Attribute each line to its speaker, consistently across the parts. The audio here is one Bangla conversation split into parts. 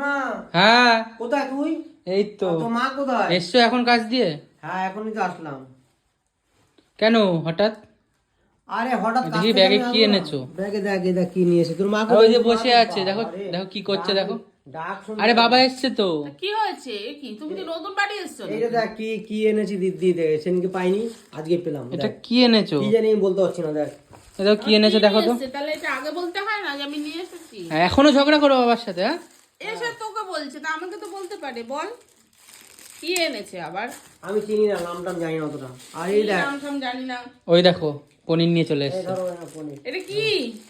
Speaker 1: সোনা।
Speaker 2: হ্যাঁ
Speaker 1: কোথায় তুই?
Speaker 2: এই তো।
Speaker 1: তো মা কোথায়?
Speaker 2: এসছো এখন কাজ দিয়ে?
Speaker 1: হ্যাঁ এখনই তো আসলাম।
Speaker 2: কেন হঠাৎ?
Speaker 1: আরে হঠাৎ কাজ
Speaker 2: দেখি
Speaker 1: থেকে
Speaker 2: ব্যাগে
Speaker 1: আমি
Speaker 2: কি
Speaker 1: আসবো না।
Speaker 2: এনেছো?
Speaker 1: ব্যাগে দেখ এটা কি নিয়ে এসে তোর মা
Speaker 2: আর
Speaker 1: কোথায়?
Speaker 2: ওই যে
Speaker 1: তোর মা
Speaker 2: বসে
Speaker 1: কোথায়?
Speaker 2: আছে, দেখো
Speaker 1: বাবারে,
Speaker 2: দেখো কি করছে,
Speaker 1: ডাক-
Speaker 2: দেখো।
Speaker 1: ডাক শুনতে
Speaker 2: আরে বাবা
Speaker 1: পাই।
Speaker 2: এসছে তো।
Speaker 3: কি হয়েছে? এ কি তুমি কি নতুন বাড়ি এসছো?
Speaker 1: এইটা দেখ কি কি এনেছি দিদি দেখ সেদিনকে পাইনি আজকে পেলাম।
Speaker 2: এটা
Speaker 1: দেখ।
Speaker 2: কি এনেছো?
Speaker 1: কি জানি আমি বলতে পারছি না দেখ।
Speaker 2: দেখো কি এনেছো দেখো তো।
Speaker 3: তাহলে এটা আগে বলতে হয় না যে আমি নিয়ে এসেছি?
Speaker 2: এখনো ঝগড়া করো বাবার সাথে? হ্যাঁ
Speaker 3: এসে তোকে বলছে, তা আমাকে তো বলতে পারে। বল কি এনেছে আবার?
Speaker 1: আমি চিনি না, নাম টাম জানি না অতটা। আর এই
Speaker 3: কি
Speaker 1: দেখ
Speaker 3: নাম টাম জানি না।
Speaker 2: ওই দেখো পনির নিয়ে চলে
Speaker 1: এই
Speaker 2: এসছে।
Speaker 1: ধরো না পনির।
Speaker 3: এটা কি?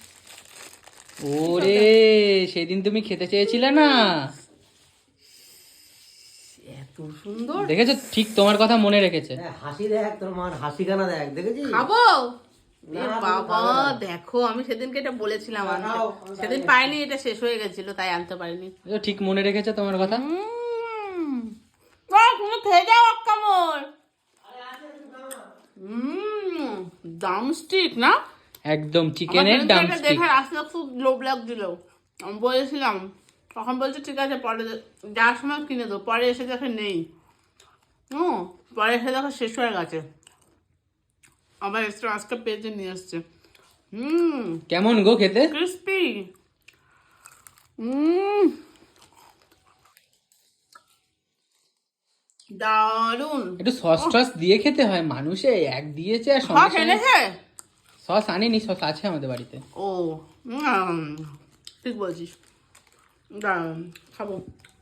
Speaker 2: ওরে সেদিন তুমি খেতে চেয়েছিলে না?
Speaker 3: এত সুন্দর।
Speaker 2: দেখেছো, ঠিক তোমার কথা মনে রেখেছে।
Speaker 1: হ্যাঁ, হাসি দেখ তোর মার হাসিখানা দেখ, দেখেছিস?
Speaker 3: খাবো?
Speaker 1: না,
Speaker 3: এ
Speaker 1: তুমি
Speaker 3: বাবা
Speaker 1: খাবে না।
Speaker 3: দেখো, আমি সেদিনকে এটা বলেছিলাম
Speaker 1: না,
Speaker 3: আনতে।
Speaker 1: নাও, আমি
Speaker 3: সেদিন
Speaker 1: জানি।
Speaker 3: পাইনি, এটা শেষ হয়ে গেছিল তাই আনতে পারিনি।
Speaker 2: দেখো, ঠিক মনে রেখেছে তোমার কথা।
Speaker 3: তুমি খেয়ে যাও এক কামড়। ড্রামস্টিক না?
Speaker 2: একদম
Speaker 3: আমার
Speaker 2: চিকেনের
Speaker 3: সেদিনকে এটা
Speaker 2: ড্রামস্টিক।
Speaker 3: দেখে আসলে খুব লোভ লাগছিল। আমি বলেছিলাম, তখন বলছে ঠিক আছে পরে যাওয়ার সময় কিনে দেবো। পরে এসে দেখে নেই। পরে এসে দেখো শেষ হয়ে গেছে। আবার এসে আজকে পেজে নিয়ে আসছে।
Speaker 2: কেমন গো খেতে?
Speaker 3: ক্রিস্পি। দারুন।
Speaker 2: একটু সস টস দিয়ে খেতে হয়, মানুষে এক দিয়েছে আর সঙ্গে
Speaker 3: সস
Speaker 2: সঙ্গে।
Speaker 3: এনেছে?
Speaker 2: সস আনিনি, সস আছে আমাদের বাড়িতে।
Speaker 3: ও ঠিক বলছিস। দারুন, খাবো।